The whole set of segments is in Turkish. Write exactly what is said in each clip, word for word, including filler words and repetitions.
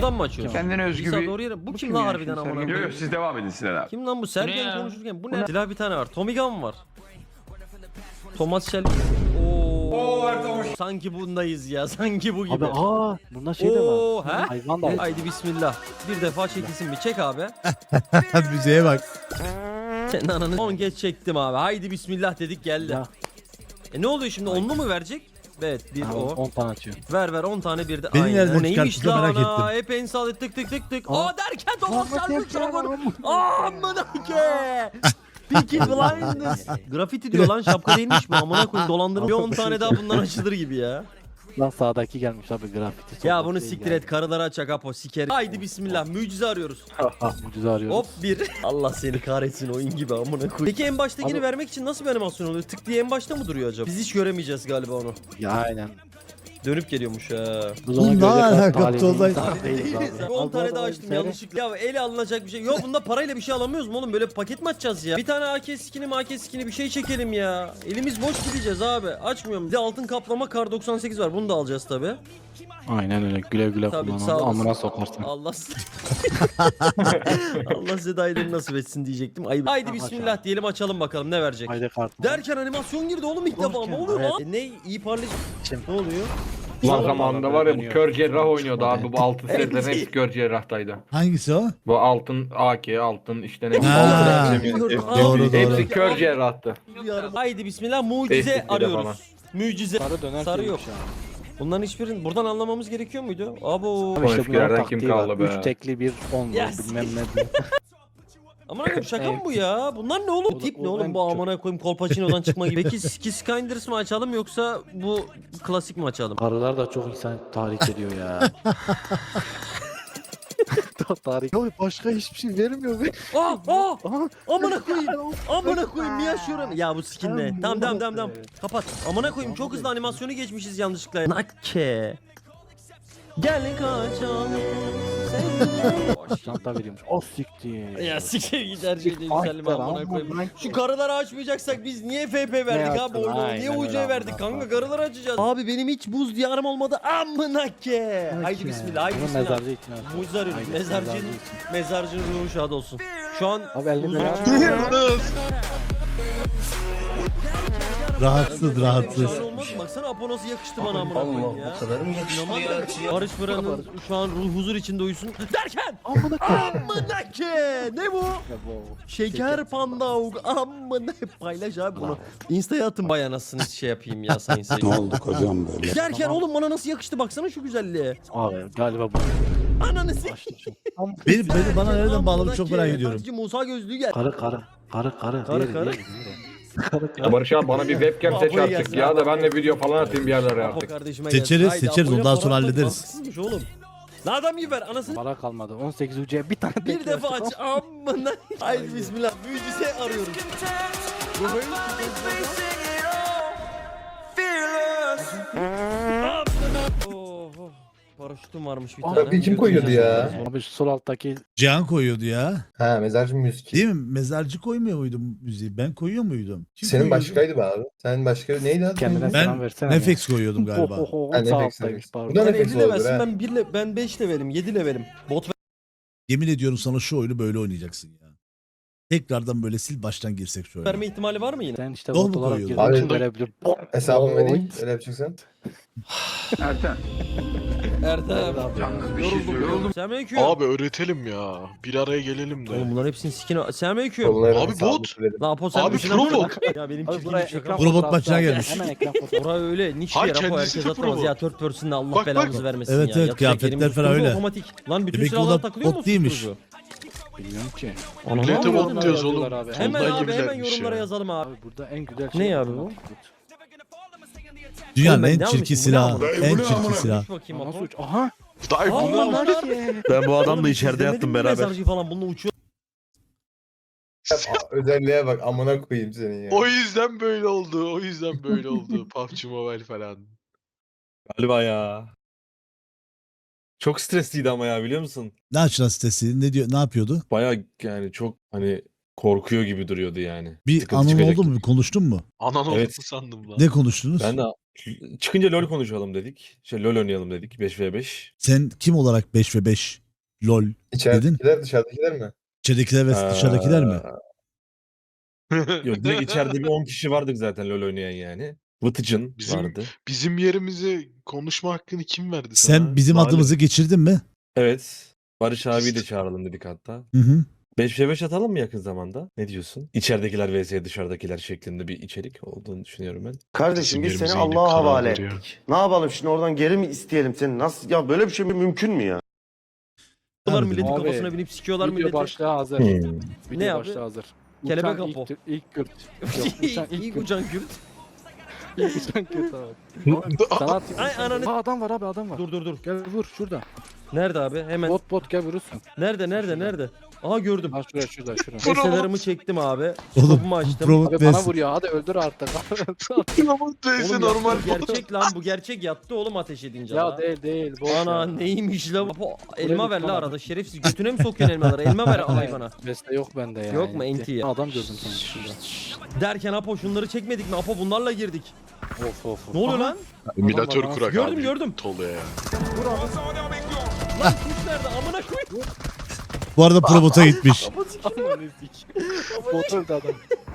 Buradan mı açıyorsun? Kendine özgü İsa bir... doğru yere. Bu, Bu kim kim lan ya harbiden şimdi amına Sergen? koyayım? Yok yok siz devam edin Sinan abi. Kim lan bu ne Sergen ya? konuşurken? Bu ne? Silah bir tane var. Tommy Gun var. Thomas Shelby. Oo. Sanki bundayız ya. Sanki bu gibi. Abi aa bunda şey de Oo, var. he? Hayvan da var. Haydi bismillah. Bir defa çekilsin bir. Çek abi. Müziğe bak. Senin ananı on geç çektim abi. Haydi bismillah dedik geldi. Ya. E ne oluyor şimdi? Onlu mu verecek? Evet bir Ha, o. on tane atıyor. Ver ver on tane bir de. Beni Aynen. nereden O neymiş çıkarttı da lan merak ana? ettim. Hep en sağ tık tık tık tık. Aa. Aa derken Thomas Aa, Shelby derken, çabuk. Amına ke. Peaky Blinders. Grafiti diyor lan şapka değilmiş bu. Amına koyayım dolandırma. Bir on tane daha bundan açılır gibi ya. Lan sağdaki gelmiş abi grafiti. Ya bunu siktir et. Karıları açacak Apo siker. Haydi bismillah. Mucize arıyoruz. Mucize arıyoruz. Hop bir. Allah seni kahretsin oyun gibi amına koyayım. Peki en baştakini Abi- vermek için nasıl bir animasyon oluyor? Tık diye en başta mı duruyor acaba? Biz hiç göremeyeceğiz galiba onu. Ya aynen. Dönüp geliyormuş ha. Bu Oğlum, ne görecek alaka talihli Tolga? insan değiliz abi. on Al, tane al, daha al, açtım seyret. yanlışlıkla. Ya ele alınacak bir şey. Yok bunda parayla bir şey alamıyoruz mu oğlum? Böyle paket mi açacağız ya? Bir tane A K skini M A K skini bir şey çekelim ya. Elimiz boş gideceğiz abi. Açmıyorum. Bir de altın kaplama kar doksan sekiz var. Bunu da alacağız tabi. Aynen öyle güle güle Tabii, kullan. sağ olasın. Amına sokarsın. Allah Allah size dayıları nasip etsin diyecektim. Ayıp. Haydi bismillah diyelim açalım bakalım ne verecek. Haydi kart. Derken animasyon girdi oğlum ilk defa. Ne oluyor Evet. lan? E, ne iyi parlayıcı. Şimdi. Ne oluyor? Lan zamanında var ya bu kör cerrah oynuyordu abi. Bu altın setlerin hepsi kör cerrahtaydı. Hangisi o? Bu altın A K, altın işte ne bileyim. Ha. altın hepsi- Doğru, doğru. Hepsi kör cerrahtı. Haydi bismillah mucize Facebook'ta falan. arıyoruz. Mucize. Sarı döner Sarı şeymiş yok. ya. Bunların hiçbirini buradan anlamamız gerekiyor muydu? Abo. Ama işte eskilerden bunların kim taktiği var. kaldı be? Üç tekli bir on var Yes. bilmem ne. Aman koyayım şaka mı bu ya? Bunlar ne oğlum? O da- Tip ne o oğlum en bu çok- amına koyayım Kolpaçino'dan çıkma gibi. Peki Ski Skinders mı açalım yoksa bu klasik mi açalım? Karılar da çok insan tahrik ediyor ya. Tahrik. Ya başka hiçbir şey vermiyor be. Aa aa Aha. amına koyayım. Amına koyayım niye açıyorum? Ya bu skin ne? Tamam, Tamam tamam tamam bu tamam. ne? Kapat. Amına koyayım çok hızlı animasyonu geçmişiz yanlışlıkla. Nakke. Gel kaçalım. seninle. Çanta veriyormuş. O siktir. Ya siktir git her şeyde yükselim Aynen, amına koyayım. amına Şu karıları açmayacaksak biz niye F P verdik abi yaptın? oyunu? Niye Aynen U C öyle verdik amına kanka koyayım. karıları açacağız. Abi benim hiç buz diyarım olmadı amına ke. Haydi bismillah haydi Bunu bismillah. mezarcı ikna et. Mucize arıyoruz. Haydi, Mezarcının, mezarcı için. mezarcının ruhu şad olsun. Şu an Abi elinde huzur- ne yapıyorsun? Rahatsız rahatsız. Şahane olmaz mı? Baksana Apo nasıl yakıştı bana amına koyayım ya. İnanılmaz ya. Barış Fıran'ın şu an ruh huzur içinde uyusun. Derken Amına koyayım. amına ke. Ne bu? Şeker panda amına paylaş abi bunu. Insta'ya atın bay anasını şey yapayım ya sayın seyirciler. Ne olduk hocam böyle? Derken oğlum bana nasıl yakıştı baksana şu güzelliğe. Abi galiba bu. Ananı s***. Beni, beni bana nereden bağladı çok merak ediyorum. Hacı Musa gözlüğü gel. Karı karı. Karı karı. Karı, Diğeri, karı. diğeri, diğeri. Karı Ya karı. Barış abi bana bir webcam seç Apo'yu artık gelsin ya abi. da ben de video falan atayım bir yerlere Apo artık. kardeşime Seçeriz, gelsin. Haydi, seçeriz, Apo'yla ondan sonra Polat'la hallederiz. mantıksızmış oğlum. Lan adam gibi ver anasını. Para kalmadı. on sekiz ucuya bir tane Bir bekliyor. defa aç amına. Haydi bismillah mucize arıyoruz. Bu böyle Oh, oh. Paraşütüm varmış bir tane. Abi kim koyuyordu ya? Abi şu sol alttaki Cihan koyuyordu ya. Ha mezarcı müzik. Değil mi? Mezarcı koymuyor muydum müziği? Ben koyuyor muydum? Kim Senin koyuyordu? başkaydı be abi. Sen başka neydi adı? kendine Ben selam versene. Nefex koyuyordum galiba. Oh, oh, oh, Ha, sağ Nefex, alttaymış Nefex. pardon. Bu da Sen Nefex elli olabilir levelsin ha. ben bir le ben beş levelim yedi levelim. Bot Yemin ediyorum sana şu oyunu böyle oynayacaksın ya. Tekrardan böyle sil baştan girsek şu oyuna. verme ihtimali var mı yine? Sen işte Dol bot mu olarak koyuyorsun? girdiğin için Abi- verebilir. Hesabımı vereyim. Oy. Öyle yapacaksan. Erten. Ertem. Yalnız bir şey Yoruldum söyleyeyim. yoruldum. Selamünaleyküm. Abi öğretelim ya. Bir araya gelelim de. Oğlum bunların hepsinin sikine. Selamünaleyküm. Onların Abi hesabını bot. söyledim. Lan Apo sen Abi bir pro bot. Ya benim Abi çirkin buraya bir şaka. ekran Robot fotoğrafı maçına al. gelmiş. Hemen ekran fotoğrafı. Oraya öyle niş bir Hayır, yer Apo kendisi herkes de atamaz pro ya. bot. Third person'da Allah Bak, belamızı bak. vermesin Evet, ya. evet, Yapacak kıyafetler elimiz falan tutucu öyle. Otomatik. Lan bütün Demek ki o silahlar da takılıyor mu? bot değilmiş. susturucu? Bilmiyorum ki. Ana, Millete ne bot yapıyorsun diyoruz abi? oğlum. Abi. Hemen Ondan abi hemen gibilermiş yorumlara ya. yazalım abi. Abi burada en güzel Ne şey. abi bu? Dünyanın Oğlum ben en ne çirkin almışım? Bu ne silahı. amına? En çirkin silah. Düş bakayım Nasıl Apo. uç? Aha. Dayı Aa, bunu lan lan. Ben bu adamla Oğlum, içeride siz demedin yattım mi beraber. Mezarcı falan bununla uçuyor. Aa, Özelliğe bak amına koyayım senin ya. O yüzden böyle oldu. O yüzden böyle oldu. P U B G Mobile falan. Galiba ya. Çok stresliydi ama ya biliyor musun? Ne açılan sitesi? Ne diyor? Ne yapıyordu? Baya yani çok hani korkuyor gibi duruyordu yani. Bir Sıkıntı anın çıkacak oldu mu? gibi. Bir konuştun mu? Anan Evet. oldu sandım lan. Ne konuştunuz? Ben de Çıkınca LoL konuşalım dedik. Şey LoL oynayalım dedik beş ve beş. Sen kim olarak beş ve beş lol İçeridekiler dışarıdakiler mi? içeridekiler ve dışarıdakiler mi? Yok direkt içeride bir on kişi vardık zaten LoL oynayan yani. Vıtıcın Bizim- vardı. Bizim yerimize konuşma hakkını kim verdi sana? Sen bizim Zalim. adımızı geçirdin mi? Evet. Barış abiyi de çağıralım dedik hatta. Hı hı. beş ve beş atalım mı yakın zamanda? Ne diyorsun? İçeridekiler vs dışarıdakiler şeklinde bir içerik olduğunu düşünüyorum ben. Kardeşim biz Bizim seni yerimize Allah'a inip havale karar veriyor. ettik. Ne yapalım şimdi oradan geri mi isteyelim seni? Nasıl ya böyle bir şey mümkün mü ya? Bunlar Harbiden. milletin Abi, kafasına binip sikiyorlar Video milleti. başlığı hazır. Hmm. Video Ne abi? başlığı hazır. Kelebek Uçan Apo. ilk, ilk Kürt. Yok, uçan ilk İlk Kürt. uçan Kürt. İlk uçan Kürt abi. Sana atayım. Ay ananı. Aa, adam var abi adam var. Dur dur dur. Gel vur şurada. Nerede abi? Hemen. Bot bot gel vurursun. Nerede nerede nerede? Aha gördüm. Ha şuraya şurada şurada. Eselerimi çektim abi. Oğlum Topumu bu açtım. Provot Abi bana Best. vuruyor hadi öldür artık. Ama neyse Oğlum normal. yattı, bu gerçek lan bu gerçek yattı oğlum ateş edince ya la. değil değil. Boş Ana ya. neymiş la? Apo, elma ver la lütfen arada şerefsiz. Götüne mi sokuyorsun elmaları? Elma ver hayvana. Beste yok bende ya. Yok mu? Yetti. Enti ya. Adam gördüm sana şurada. Derken Apo şunları çekmedik mi? Apo bunlarla girdik. Of of. Ne oluyor lan? Emülatör Adam var, kurak gördüm, abi. gördüm. Toluya ya. Lan kuş nerede? Amına koy. Bu arada Probot'a gitmiş. Apo sikiyor. Aman ezik. Bot öldü adam.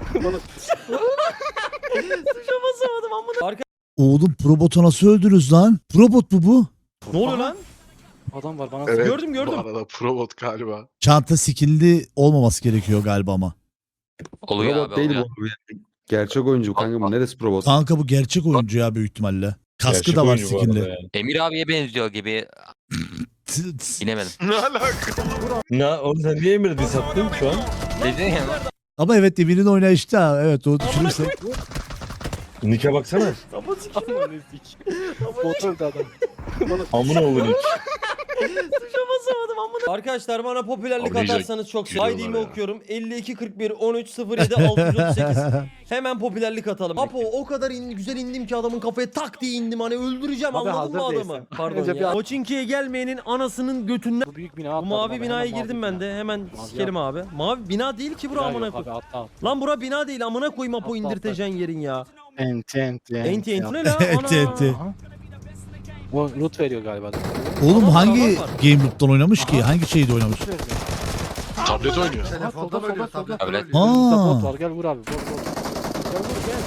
Tuşa basamadım amına. Arka. Oğlum Probot'u nasıl öldürürüz lan? Probot mu bu? Ne oluyor lan? Adam var bana Evet. Gördüm, gördüm. Bu arada Provot galiba. Çanta skinli olmaması gerekiyor galiba ama. Oluyor Robot abi değil oluyor. bu. Gerçek oyuncu kanka bu neresi robot? Kanka bu gerçek oyuncu ya büyük ihtimalle. Kaskı Gerçek da var oyuncu bu arada skinli. yani. Emir abiye benziyor gibi T- t- bilemedim. Ne alaka? Ne oğlum sen niye Emir'e diss attın şu an? Dedin ya. Ama evet Emir'in oynayışı da evet o düşünürsek. Nick'e baksana. Apo sikiyor. Aman ezik. Bot öldü adam. Amına oğlu Nick. Tuşa basamadım amına. Arkadaşlar bana popülerlik Abi neyse, atarsanız çok gülüyorlar sevinirim. I D'mi ya. okuyorum. elli iki kırk bir on üç sıfır yedi altı yüz otuz sekiz. Hemen popülerlik atalım. Apo o kadar in, güzel indim ki adamın kafaya tak diye indim. Hani öldüreceğim Abi anladın mı hazır adamı? değilsin. Pardon Önce ya. bir- Koçinki'ye gelmeyenin anasının götünden. Bu büyük bina Bu atladım mavi abi, binaya hemen girdim mavi ben bina. de. Hemen Mavi sikerim abi. Mavi bina değil ki bura Bina amına yok koy. abi, atla atla. Lan bura bina değil amına koyayım Apo Atla, indirteceğin yerin ya. Enti enti Enti enti ne la? Enti, Ana. enti. Aha. Bu loot veriyor galiba. Oğlum Adam var, hangi adam var. Game Loop'tan oynamış ki? Hangi şeyde oynamış? Loot verdi. Tablet oynuyor. Aha, solda solda solda. Tablet. Burada bot Aa. var gel vur abi. Bot bot. Gel vur gel.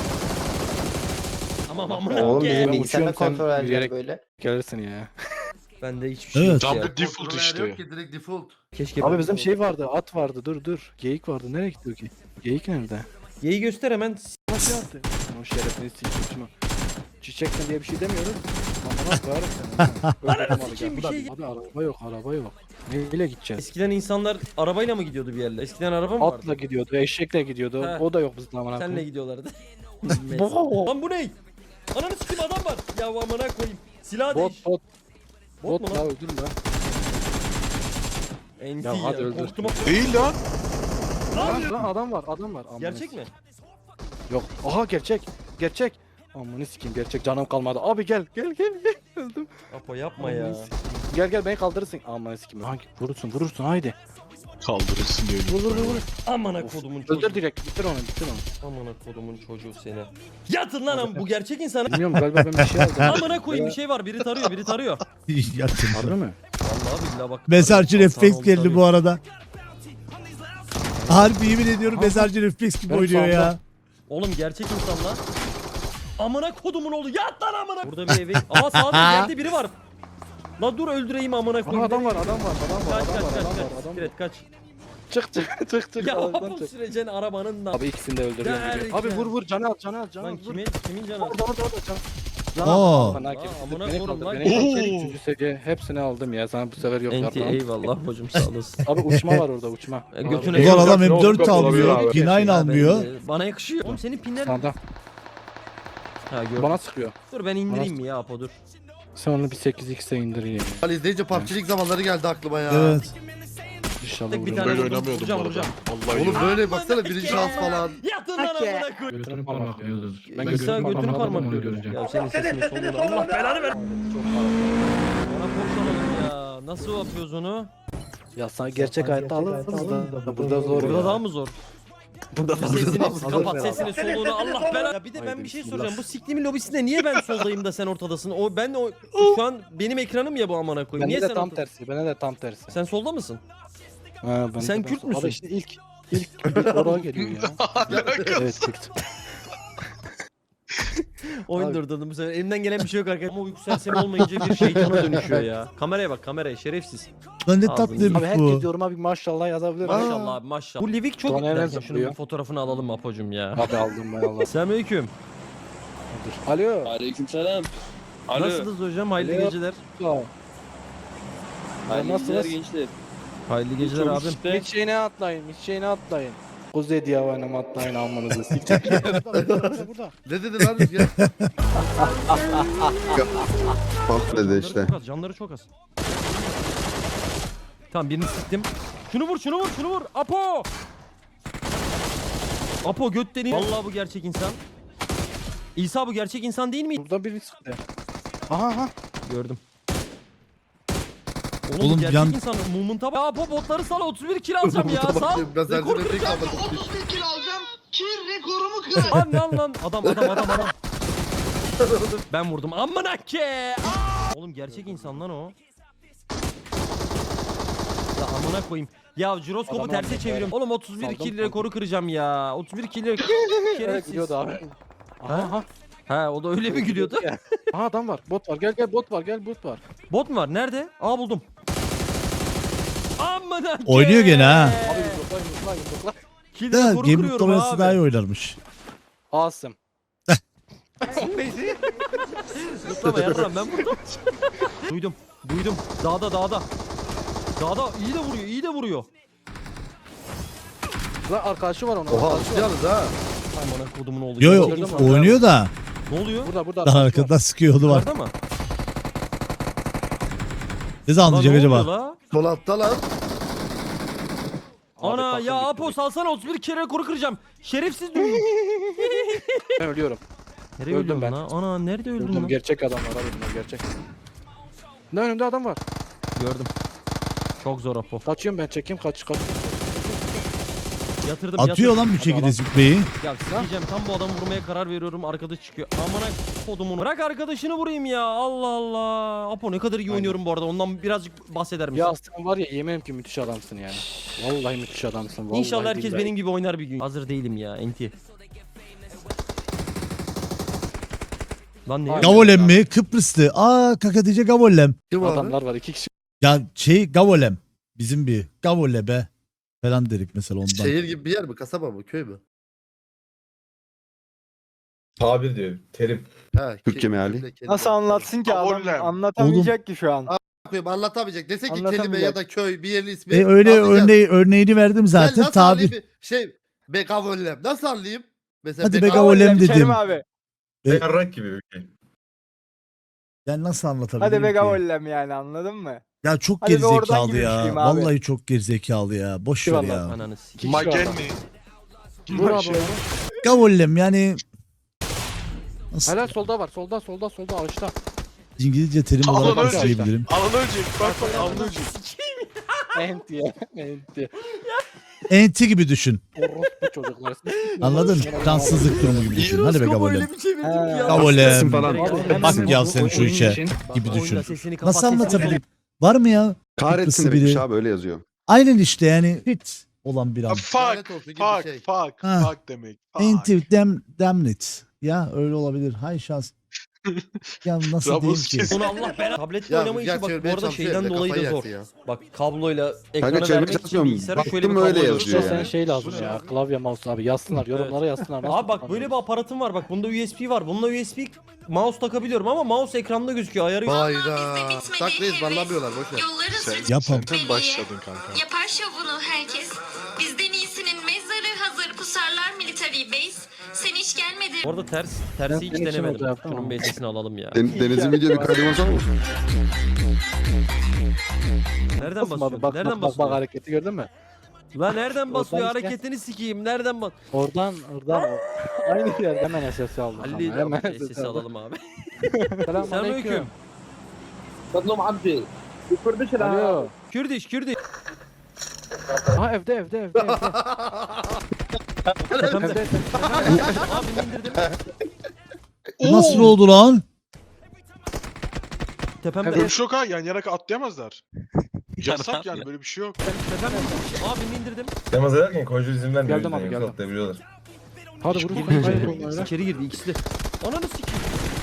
Tamam amına Oğlum koyayım. bizim Ben bilgisayarda uçuyorum, sen kontrol edeceğim yürüyerek- böyle. Gelirsin ya. Bende hiçbir şey Evet. yok ya. Tablet default işte. Keşke Abi bizim şey vardı, at vardı. Dur dur. Geyik vardı. Nereye gitti o ki? Geyik nerede? Yeyi göster hemen. Nasıl yaptı? O şerefini sikeyim. Çiçekten diye bir şey demiyoruz. Amına koyarım seni. Öldürdüm abi, sikeyim, gel. bir Abi, şey- Abi araba yok, araba yok. Neyle gideceğiz? Eskiden insanlar arabayla mı gidiyordu bir yerlere? Eskiden araba mı vardı? Atla gidiyordu, eşekle gidiyordu. He. O da yok bizde amına Senle koyayım. gidiyorlardı. Bo- Lan bu ne? Ananı sikeyim adam var. Ya amına koyayım. Silah Bot değiş. bot. Bot Bot mu la lan? öldürme lan. Enti Ya ya. hadi öldür. Korktum. Değil lan. Lan, lan adam var, adam var. Amına Gerçek mi? Yok. Aha gerçek. Gerçek. Amına sikeyim gerçek canım kalmadı. Abi gel gel gel gel. Öldüm. Apo yapma ya. Gel gel beni kaldırırsın. Amına sikeyim. Hangi vurursun vurursun haydi. Kaldırırsın diyor. Vur vur vur. vur. Amına Of. kodumun çocuğu. Öldür direkt bitir onu bitir onu. Amına kodumun çocuğu seni. Yatın lan am bu gerçek insan. Bilmiyorum galiba ben bir şey aldım. Amına koyayım bir şey var. Biri tarıyor, biri tarıyor. Yaktım. Harbi mi? Vallahi billahi bak. Mezarcı tarıyor, refleks sağ ol, geldi tarıyor. bu arada. Harbi yemin ediyorum Aha. mezarcı refleks gibi Ben oynuyor ya. sağımda. Oğlum gerçek insan lan. Amına kodumun oğlu yat lan amına. Burada bir evi. Aa sağda geldi biri var. La dur öldüreyim amına Aha, koyayım. adam var adam var adam var Kaç adam kaç var kaç adam var kaç. adam Sikret var. kaç. Çık çık çık çık. Ya arabadan bu çık. süreceksin arabanın da. Abi ikisini de öldürüyorum gibi. Derken. Abi vur vur canı al canı al canı al. Lan Vur. kimin kimin canı? Orada orada orada canı. Aa. Bana Aa, herkes amına beni koyayım kaldır lan. beni kaldır. Oo. Üçüncü seviye hepsini aldım ya sana bu sefer yok Enti yapmam. eyvallah hocam sağ olasın. Abi uçma var orada uçma. E, götüne Ulan adam Yok, M dört yok, olabilir almıyor. abi. Kinayın Ya almıyor. ben de- Bana yakışıyor. Oğlum senin pinler... Sağda. Ha gördüm. Bana sıkıyor. Dur ben indireyim mi ya Apo dur. Sen onu bir sekiz x'e indir ya. Ali izleyince P U B G'lik zamanları geldi aklıma ya. Evet. İnşallah Tek bir vurur. tane Böyle vurdum, oynamıyordum bu vuracağım, arada. vuracağım. Vallahi Oğlum yok. böyle baksana birinci şans falan. Yatın lan amına koy. Götünü parmaklıyoruz. Ben götünü, götünü parmaklıyordum. Ya senin sesini soluğunu Allah belanı ver. Bana korksanalım ya. Nasıl yapıyoruz onu? Ya sana gerçek hayatta alırız da burada zor Burada ya. daha mı zor? Burada Sesini Hazır kapat, beraber. sesini soluğunu Allah belanı. Ya bir de ben Haydi bir şey bismillah. soracağım. Bu siktiğimin lobisinde niye ben soldayım da sen ortadasın? O ben o şu an benim ekranım ya bu amına koyayım. Niye Bende de sen tam ortada- tersi. Bende de tam tersi. Sen solda mısın? Ha, ben Sen de Kürt tam- müsün? Abi işte ilk ilk ilk oraya geliyor ya. Evet Kürt. Oyun Abi. durdurdum bu sefer. Elimden gelen bir şey yok arkadaşlar. Ama uyku sersemi olmayınca bir şeytana dönüşüyor ya. Kameraya bak kameraya şerefsiz. Lan ne Ağzını tatlıymış Abi herkes bu. yoruma bir maşallah yazabilir. Maşallah abi maşallah. Bu Livik çok... Sonra Bir hemen dakika, şunun zıplıyor. bir fotoğrafını alalım Apo'cum ya. Abi aldım ben Allah. Selamünaleyküm. Dur. Alo. Aleykümselam. Nasılsınız hocam? Hayırlı Alo. geceler. Alo. Hayırlı Nasılsınız? geceler gençler. Hayırlı geceler Çok abim. işte. Hiç şeyine atlayın, hiç şeyine atlayın. Kuzey diye oynama atlayın almanızı sikecek. Burada, burada, burada. Ne dedi lan Rüzgar? Bak dedi Canları işte. çok az, canları çok az. Tamam birini sıktım. Şunu vur, şunu vur, şunu vur. Apo! Apo göt deniyor. Vallahi bu gerçek insan. İsa bu gerçek insan değil mi? Burada biri sıktı. Aha aha. Gördüm. Oğlum, Oğlum bu gerçek yan- insan. Movement'a bak. Ya Apo botları sal otuz bir kill alacağım ya. Sal. Ben Rekor sence de tek almadım. kill alacağım ki rekorumu kırarım. Lan lan lan. Adam adam adam adam. Ben vurdum. Amına ke. Oğlum gerçek insan lan o. Ya amına koyayım. Ya jiroskopu Adam terse aldı. çeviriyorum. Oğlum otuz bir Saldım, kill saldım. rekoru kıracağım ya. otuz bir kill Evet şerefsiz. gidiyordu abi. Aha aha. Ha o da öyle mi gülüyordu? Aha adam var. Bot var. Gel gel bot var. Gel bot var. Bot mu var? Nerede? Aa buldum. Amına ke. Oynuyor gene ha. Abi yumrukla yumrukla yumrukla. Kill Da rekoru Game kırıyorum Mustafa abi. daha iyi oynarmış. Asım. Zıplama yarram ben vurdum. Duydum. Duydum. Dağda dağda. Dağda iyi de vuruyor. iyi de vuruyor. Lan arkadaşı var onun. Oha arkadaşı var. alışacağız ha. Aman kodumun oğlu. Yo yo Gerçek insan. oynuyor da Ne oluyor? Burada burada daha arkadaşı var. arkadan sıkıyordu var. Yukarıda mı? Ne zaman Lan anlayacak ne oluyor acaba? la? Sol altta lan. Abi Ana takım ya bitti. Apo salsana otuz bir kere rekoru kıracağım. Şerefsiz düğün. Ben ölüyorum. Nereye Öldüm öldün ben. lan? Ana nerede öldün Öldüm. lan? Gerçek adam var abi bunlar gerçek. Ne önümde adam var. Gördüm. Çok zor Apo. Kaçıyorum ben çekeyim kaç kaç. Yatırdım Atıyor yatırdım. lan bir şekilde züppeyi. Ya sikeceğim tam bu adamı vurmaya karar veriyorum arkadaş çıkıyor. Amına kodumun. Bırak arkadaşını vurayım ya. Allah Allah. Apo ne kadar iyi Aynen. oynuyorum bu arada. Ondan birazcık bahseder misin? Ya sen var ya yemin ki müthiş adamsın yani. Vallahi müthiş adamsın. Vallahi İnşallah herkes billahi. benim gibi oynar bir gün. Hazır değilim ya enti. Lan ne? Aynen. Gavolem mi? Kıbrıslı. Aa Kakatice Gavolem. Kim abi? Adamlar var iki kişi. Ya şey Gavolem. Bizim bir Gavole be. Falan dedik mesela ondan. Şehir gibi bir yer mi? Kasaba mı? Köy mü? Tabir diyor. Terim. Ha, Türkçe ke- meali. kelime, kelime. Nasıl anlatsın ki adam Abonem. anlatamayacak ki şu an. Koyayım, anlatamayacak. Dese ki kelime Anlatamayacak. ya da köy bir yerin ismi. E öyle anlayacağız. örneği, örneğini verdim Ben zaten. nasıl Tabi. anlayayım? Şey be gavollem. Nasıl anlayayım? Mesela Hadi be be gav- gavolem Kerim dedim. abi. E- Yarrak gibi bir şey. Ben nasıl anlatabilirim Hadi be ki? gavollem yani anladın mı? Ya çok Hadi be oradan gerizekalı gibi ya. düşüneyim abi. Vallahi çok gerizekalı ya. Boş ver Eyvallah. ya. Ananı sikeyim. İki kişi var adam. Magenni. Vur abi. onu. Gavollem yani nasıl Helal solda var. Solda solda solda ağaçta. İngilizce terim Alan olarak ölecek. söyleyebilirim. Alan ölecek. Bak bak alan ölecek. Enti ya. Enti. Enti gibi düşün. Orospu çocuklar. Anladın? Cansızlık durumu gibi düşün. Hadi be Jiroskopu Gavollem. öyle bir çevirdim Ha. ya. Gavolem. falan. Bak ya sen şu işe gibi Oyunda düşün. sesini kapat, Nasıl sesini anlatabilirim? Var mı ya? Kahretsin Kıbrıslı demiş biri. abi öyle yazıyor. Aynen işte yani hit olan bir an. Fuck. Lanet olsun gibi bir Fuck. şey. Fuck. Ha. Fuck demek. Fuck. Enti damn, damn it. Ya öyle olabilir. Hay şans. Ya nasıl Ramos diyeyim ki? kesin. Onu Allah belanı. Tabletle Ya oynama işi Rüzgar bak bu çevirmeye arada çalışıyor şeyden ya, dolayı kafayı da zor. yersin ya. Bak kabloyla ekranı çevirmeye vermek için çalışmıyorum. bilgisayara şöyle bir Baktım öyle kablo yazıyor Usta yani. sen şey lazım ya. Klavye mouse abi. Yazsınlar. Yorumlara yazsınlar. Nasıl Abi bak böyle bir aparatım var bak bunda U S B var. Bununla U S B mouse takabiliyorum ama mouse ekranda gözüküyor ayarı yok. Hayda. Saklıyız banlamıyorlar boşver. Sen, Yapam. sen başladın kanka. Yapar şovunu herkes. Bizden iyisinin mezarı hazır pusarlar military base. Sen hiç gelmedin. Bu arada ters tersi Ben hiç senin için denemedim. orada yaptım Şunun ama. bir sesini alalım ya. Den- Deniz'in videonu kaydırmasa mı? Nereden Basmadı. basıyor? Bak Nereden bak bak, bak basıyor? hareketi gördün mü? Lan nereden basıyor? Oradan işte. Hareketini sikeyim. Nereden bas? Oradan oradan o. Aynı yer hemen S S aldım. Halil ama, hemen abi sesi alalım abi. Selamünaleyküm. Selamünaleyküm. Tatlım abdi. Yukarıda Alo. Kürdiş Kürdiş. Ha evde evde evde evde. Tepemde. Abi indirdim. Nasıl oldu lan? Tepemde. Böyle bir şey yok ha. Yan yana atlayamazlar. Yasak yani böyle bir şey yok. Tepemde. Abi indirdim. Demaz ederken koyucu izin vermiyor. Geldim o yüzden abi, yoksa geldim. atlayabiliyorlar. Hadi vurun. Girdi Hayır, içeri. oyun öyle. İçeri girdi ikisi de. Ananı sikeyim.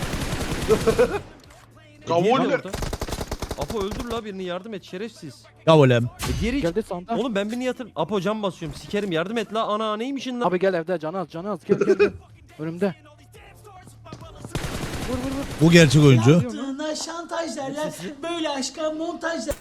Gavoller. Apo öldür la birini yardım et şerefsiz. Ya olem. E diğeri Geldi sağında. Oğlum ben birini yatır. Apo cam basıyorum sikerim yardım et la ana neymişin lan? Abi gel evde canı az canı az. Gel gel gel. Önümde. Vur vur vur. Bu gerçek oyuncu. Yaptığına şantaj derler. Böyle aşka montaj derler.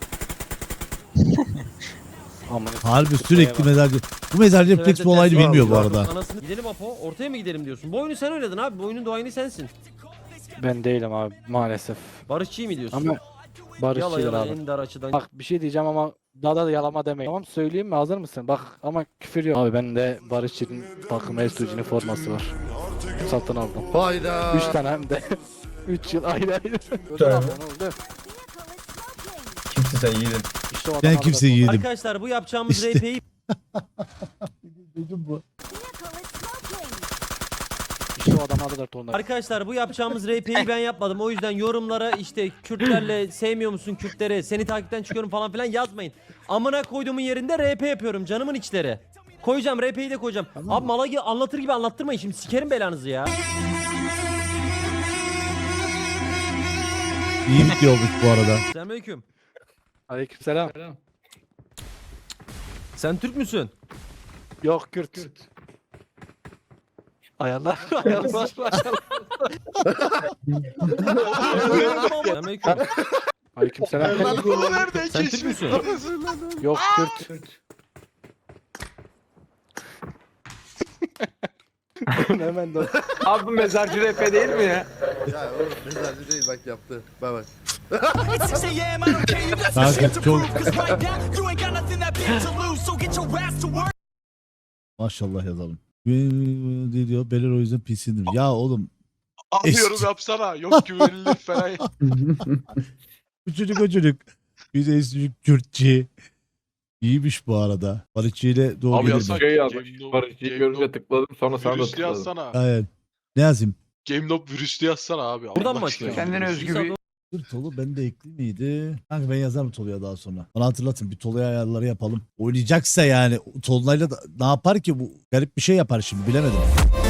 Aman. Harbi sürekli mezarcı. Bu mezarcı refleks bu olayını bilmiyor bu arada. Anasını... Gidelim Apo ortaya mı gidelim diyorsun? Bu oyunu sen oynadın abi bu oyunun doğayını sensin. Ben değilim abi maalesef. Barışçıyı mı diyorsun? Ama Yala barışçılar yala abi. en dar açıdan. Bak bir şey diyeceğim ama daha da yalama demeyin. Tamam söyleyeyim mi hazır mısın? Bak ama küfür yok. Abi bende Barışçı'nın takım Estuji'nin forması var. Satın aldım. Hayda. Üç tane hem de. Üç yıl ayrı ayrı. Ödül tane. aldım, ne oldu? Kimsin sen yiğidin? İşte o Ben adam kimseyi aldı. yedim. Arkadaşlar bu yapacağımız İşte. R P'yi İşte o adam aldılar tonları. Arkadaşlar bu yapacağımız R P'yi ben yapmadım. O yüzden yorumlara işte Kürtlerle sevmiyor musun Kürtleri? Seni takipten çıkıyorum falan filan yazmayın. Amına koyduğumun yerinde R P yapıyorum canımın içleri. Koyacağım R P'yi de koyacağım. Abi mala gibi anlatır gibi anlattırmayın şimdi sikerim belanızı ya. İyi bitiyormuş bu arada. Selamünaleyküm. Aleykümselam. Sen Türk müsün? Yok Kürt. Ayarlar. Ayarlar. Selamünaleyküm. Aleykümselam. Nerede? Sen Türk müsün? Yok Kürt. Hemen de. Abi bu mezarcı rap değil mi ya? Ya oğlum mezarcı değil bak yaptı. Bak bak. Kanka çok... Maşallah yazalım. Ne diyor? Beler o yüzden pissindir. Ya oğlum. Anlıyorum Eski- yapsana. Yok güvenilir falan. Bu çocuk o çocuk. Bir de çocuk Kürtçi. İyiymiş bu arada. Barışçı ile doğru Abi gelir yazsak- mi? Şey yazmış. Game Nob- Barış'ı Game görünce Nob- tıkladım sonra sana da Virüslü tıkladım. yazsana. Aynen. Ne yazayım? Game Nob virüslü yazsana abi. Buradan Allah mı aşkına. açıyorsun? Kendine özgü bir- Dur Tolu ben de ekli miydi? Kanka ben yazarım Tolu'ya daha sonra. Bana hatırlatın bir Tolu'ya ayarları yapalım. Oynayacaksa yani Tolu'yla da ne yapar ki bu? Garip bir şey yapar şimdi bilemedim.